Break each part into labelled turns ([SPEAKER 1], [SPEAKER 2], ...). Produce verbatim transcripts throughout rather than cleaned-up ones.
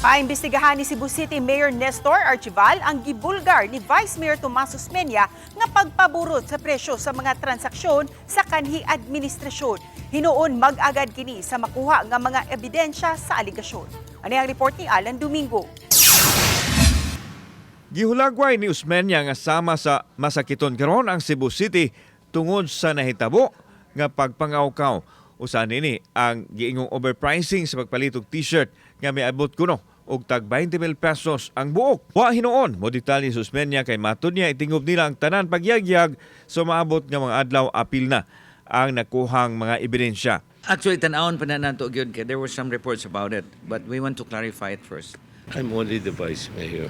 [SPEAKER 1] Paimbestigahan ni Cebu City Mayor Nestor Archival ang gibulgar ni Vice Mayor Tomas Osmeña nga pagpaburot sa presyo sa mga transaksyon sa kanhi administrasyon. Hinuon mag-agad kini sa makuha nga mga ebidensya sa aligasyon. Ano ang report ni Alan Domingo?
[SPEAKER 2] Gihulagway ni Osmeña nga sama sa masakiton karon ang Cebu City tungod sa nahitabo nga pagpangawkaw. Usa nini ang giingong overpricing sa pagpalit og t-shirt nga miabot kuno og tag twenty mil pesos ang buok. Wa hinuon mo detalye sa Osmeña kay matud niya itingob nila ang tanan pagyagyag so maabot nga mga adlaw apil na ang nakuhang mga ebidensya.
[SPEAKER 3] Actually, tanawon pa na nato gyud kay there were some reports about it, but we want to clarify it first.
[SPEAKER 4] I'm only the vice mayor.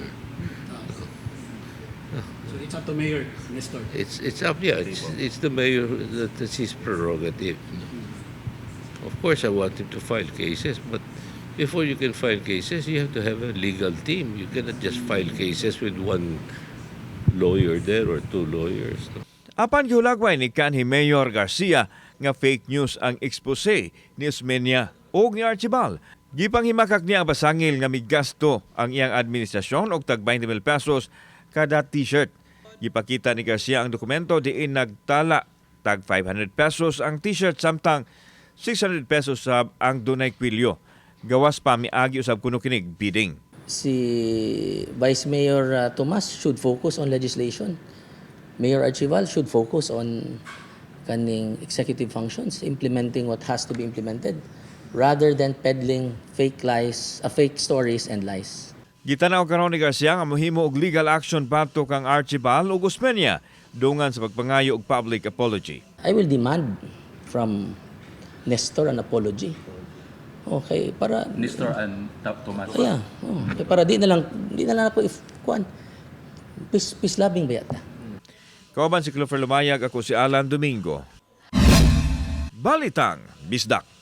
[SPEAKER 5] So it's up to Mayor Nestor.
[SPEAKER 4] It's it's up, yeah. It's, it's the mayor that that's his prerogative. Of course, I want him to file cases, but before you can file cases, you have to have a legal team. You cannot just file cases with one lawyer there or two lawyers. No?
[SPEAKER 2] Apan gihulagway ni kanhi Mayor Garcia nga fake news ang expose ni Osmeña o ni Archival. Gipanghimakak niya ang basangil nga migasto ang iyang administrasyon og tag twenty mil pesos kada t-shirt. Gipakita ni Garcia ang dokumento diin nagtala tag five hundred pesos ang t-shirt samtang six hundred pesos sab ang dunay kwilyo. Gawas pa miagi usab kuno kinig bidding.
[SPEAKER 6] Si Vice Mayor uh, Tomas should focus on legislation. Mayor Archival should focus on kaning executive functions, implementing what has to be implemented, rather than peddling fake lies, uh, fake stories and lies.
[SPEAKER 2] Gitanaw karon ni Garcia nga mohimo og legal action pato kang Archival ug Osmeña dungan sa pagpangayo og public apology.
[SPEAKER 6] I will demand from Nestor an apology. Okay, para
[SPEAKER 5] Nestor and Tomas.
[SPEAKER 6] yeah, oh, okay, para di na lang di na lang po if kuan peace, peace loving ba yata.
[SPEAKER 2] Kauban si Clover Lumayag, ako si Alan Domingo. Balitang Bisdak.